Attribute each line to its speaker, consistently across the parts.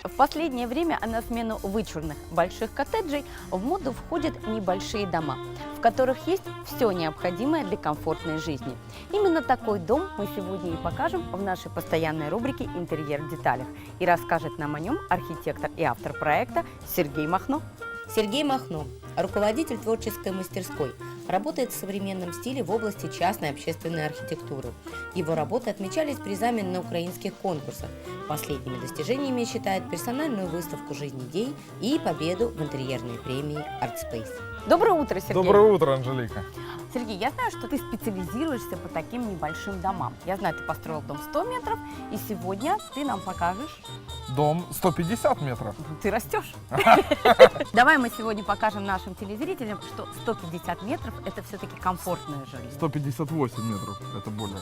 Speaker 1: В последнее время на смену вычурных больших коттеджей в моду входят небольшие дома, в которых есть все необходимое для комфортной жизни. Именно такой дом мы сегодня и покажем в нашей постоянной рубрике «Интерьер в деталях». И расскажет нам о нем архитектор и автор проекта Сергей Махно.
Speaker 2: Сергей Махно, руководитель творческой мастерской, работает в современном стиле в области частной общественной архитектуры. Его работы отмечались призами на украинских конкурсах. Последними достижениями считает персональную выставку «Жизнь идей» и победу в интерьерной премии ArtSpace.
Speaker 1: Доброе утро, Сергей.
Speaker 3: Доброе утро, Анжелика.
Speaker 1: Сергей, я знаю, что ты специализируешься по таким небольшим домам. Я знаю, ты построил дом 100 метров, и сегодня ты нам покажешь...
Speaker 3: Дом 150 метров.
Speaker 1: Ты растешь. Давай мы сегодня покажем нашим телезрителям, что 150 метров – это все-таки комфортная жизнь.
Speaker 3: 158 метров, это более.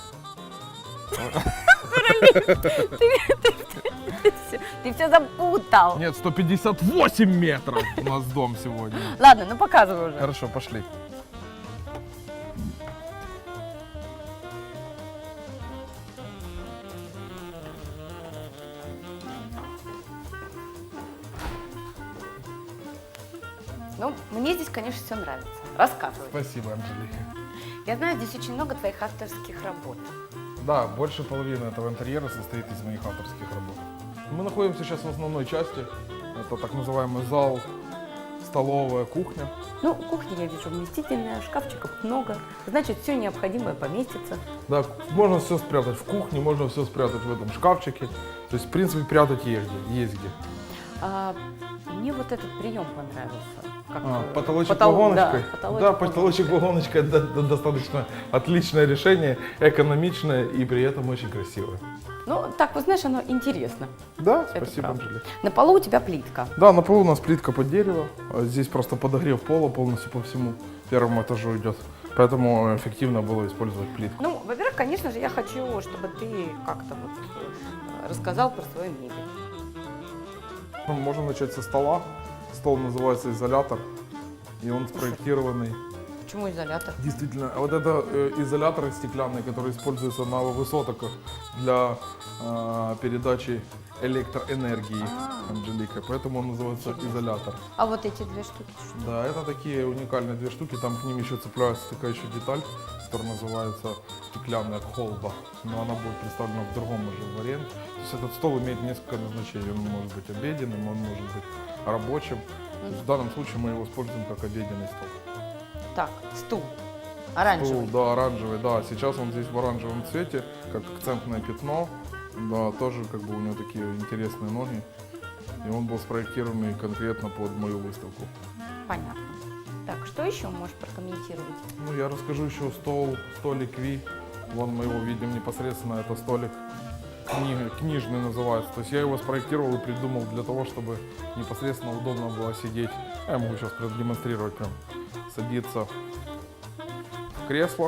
Speaker 1: Ты все запутал.
Speaker 3: Нет, 158 метров у нас дом сегодня.
Speaker 1: Ладно, ну показывай уже.
Speaker 3: Хорошо, пошли.
Speaker 1: Ну, мне здесь, конечно, все нравится. Рассказывай.
Speaker 3: Спасибо, Анжелика.
Speaker 1: Я знаю, здесь очень много твоих авторских работ.
Speaker 3: Да, больше половины этого интерьера состоит из моих авторских работ. Мы находимся сейчас в основной части. Это так называемый зал, столовая, кухня.
Speaker 1: Ну, кухня, я вижу, вместительная, шкафчиков много. Значит, все необходимое поместится.
Speaker 3: Да, можно все спрятать в кухне, можно все спрятать в этом шкафчике. То есть, в принципе, прятать есть где.
Speaker 1: Мне вот этот прием понравился. Как,
Speaker 3: потолочек вагоночкой.
Speaker 1: Да,
Speaker 3: потолочек вагоночкой это достаточно отличное решение, экономичное и при этом очень красивое.
Speaker 1: Ну, так, вот знаешь, оно интересно.
Speaker 3: Да,
Speaker 1: Это
Speaker 3: спасибо,
Speaker 1: правда.
Speaker 3: Анжелика.
Speaker 1: На полу у тебя плитка.
Speaker 3: Да, на полу у нас плитка под дерево. Здесь просто подогрев пола полностью по всему первому этажу идет. Поэтому эффективно было использовать плитку.
Speaker 1: Ну, во-первых, конечно же, я хочу, чтобы ты как-то вот рассказал про свою мебель.
Speaker 3: Можно начать со стола. Стол называется изолятор. И он спроектированный.
Speaker 1: Почему изолятор?
Speaker 3: Действительно, вот это изоляторы стеклянные, которые используются на высотах для передачи электроэнергии, Анжелика. Поэтому он называется изолятор.
Speaker 1: А вот эти две штуки? Что?
Speaker 3: Да, это такие уникальные две штуки. Там к ним еще цепляется такая еще деталь, которая называется стеклянная колба. Но она будет представлена в другом уже варианте. То есть этот стол имеет несколько назначений. Он может быть обеденным, он может быть рабочим. То есть в данном случае мы его используем как обеденный стол.
Speaker 1: Так, стул. Оранжевый.
Speaker 3: Стул, да, оранжевый, да. Сейчас он здесь в оранжевом цвете, как акцентное пятно. Да, тоже как бы у него такие интересные ноги. И он был спроектирован конкретно под мою выставку.
Speaker 1: Понятно. Так, что еще можешь прокомментировать?
Speaker 3: Ну, я расскажу еще столик Ви. Вон мы его видим непосредственно, это столик книжный называется. То есть я его спроектировал и придумал для того, чтобы непосредственно удобно было сидеть. Я могу сейчас продемонстрировать прям. Садиться в кресло,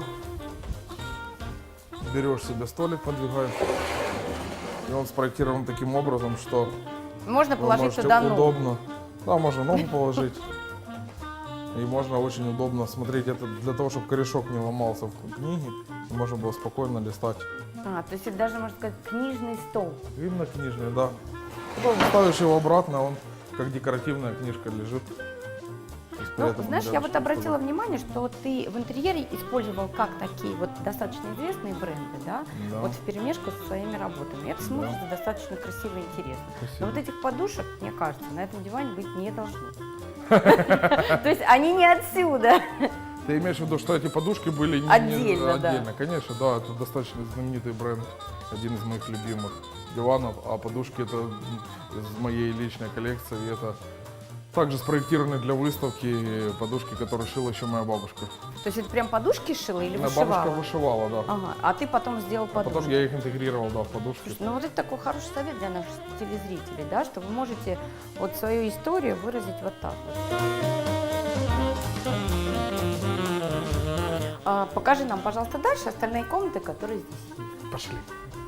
Speaker 3: берешь себе столик, подвигаешь. И он спроектирован таким образом, что
Speaker 1: Можно
Speaker 3: вы
Speaker 1: положить
Speaker 3: можете
Speaker 1: туда ногу.
Speaker 3: удобно. Да, можно ногу положить. И можно очень удобно смотреть это для того, чтобы корешок не ломался в книге. Можно было спокойно листать.
Speaker 1: То есть это даже, можно сказать, книжный стол.
Speaker 3: Именно книжный, да. Потом ставишь его обратно, он как декоративная книжка лежит.
Speaker 1: Ну, знаешь, я вот обратила внимание, что ты в интерьере использовал как такие вот достаточно известные бренды, да?
Speaker 3: Да.
Speaker 1: Вот вперемешку со своими работами. Это смотрится достаточно красиво и интересно.
Speaker 3: Спасибо.
Speaker 1: Но вот этих подушек, мне кажется, на этом диване быть не должно. То есть они не отсюда.
Speaker 3: Ты имеешь в виду, что эти подушки были
Speaker 1: Отдельно, да.
Speaker 3: отдельно? Конечно, да, это достаточно знаменитый бренд, один из моих любимых диванов, а подушки это из моей личной коллекции, и это также спроектированы для выставки подушки, которые шила еще моя бабушка.
Speaker 1: То есть это прям подушки шила или
Speaker 3: Моя
Speaker 1: вышивала?
Speaker 3: бабушка вышивала, да.
Speaker 1: Ага, а ты потом сделал подушки.
Speaker 3: Потом я их интегрировал, да, в подушки.
Speaker 1: Слушай, ну вот это такой хороший совет для наших телезрителей, да, что вы можете вот свою историю выразить вот так вот. Покажи нам, пожалуйста, дальше остальные комнаты, которые здесь есть.
Speaker 3: Пошли.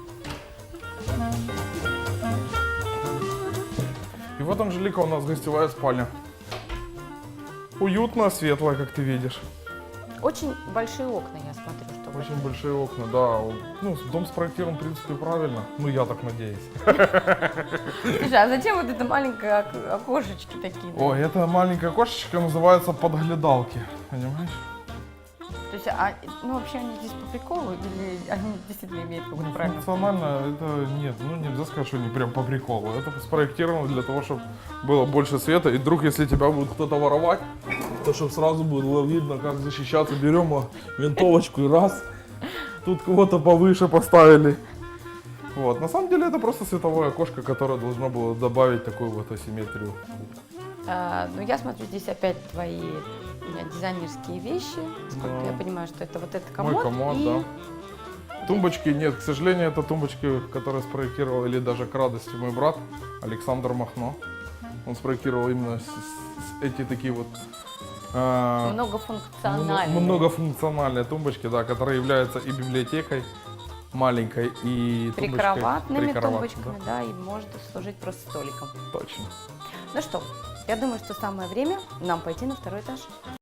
Speaker 3: И вот, Анжелика, у нас гостевая спальня. Уютно, светлая, как ты видишь.
Speaker 1: Очень большие окна, я смотрю, что
Speaker 3: Очень большие окна, да. Ну, дом спроектирован, в принципе, правильно. Ну, я так надеюсь.
Speaker 1: Слушай, а зачем вот это маленькое окошечки такие? да?
Speaker 3: Ой, это маленькая кошечка называется подглядалки, понимаешь?
Speaker 1: То есть, ну вообще они здесь по приколу или они действительно имеют какую-то
Speaker 3: Ну,
Speaker 1: правильную
Speaker 3: функционально это нет, ну нельзя сказать, что они прям по приколу. Это спроектировано для того, чтобы было больше света. И вдруг, если тебя будет кто-то воровать, то чтобы сразу было видно, как защищаться. Берем винтовочку и раз. Тут кого-то повыше поставили. Вот. На самом деле это просто световое окошко, которое должно было добавить такую вот асимметрию.
Speaker 1: Ну, я смотрю, здесь опять твои дизайнерские вещи. Сколько
Speaker 3: Да.
Speaker 1: я понимаю, что это вот этот
Speaker 3: Мой
Speaker 1: комод.
Speaker 3: комод,
Speaker 1: и...
Speaker 3: да. Тумбочки нет, к сожалению, это тумбочки, которые спроектировал, или даже к радости мой брат Александр Махно. Он спроектировал именно эти такие вот
Speaker 1: Многофункциональные.
Speaker 3: многофункциональные тумбочки, да, которые являются и библиотекой маленькой, и
Speaker 1: Прикроватными
Speaker 3: тумбочкой,
Speaker 1: тумбочками, да, и может служить просто столиком.
Speaker 3: точно.
Speaker 1: Ну что, я думаю, что самое время нам пойти на второй этаж.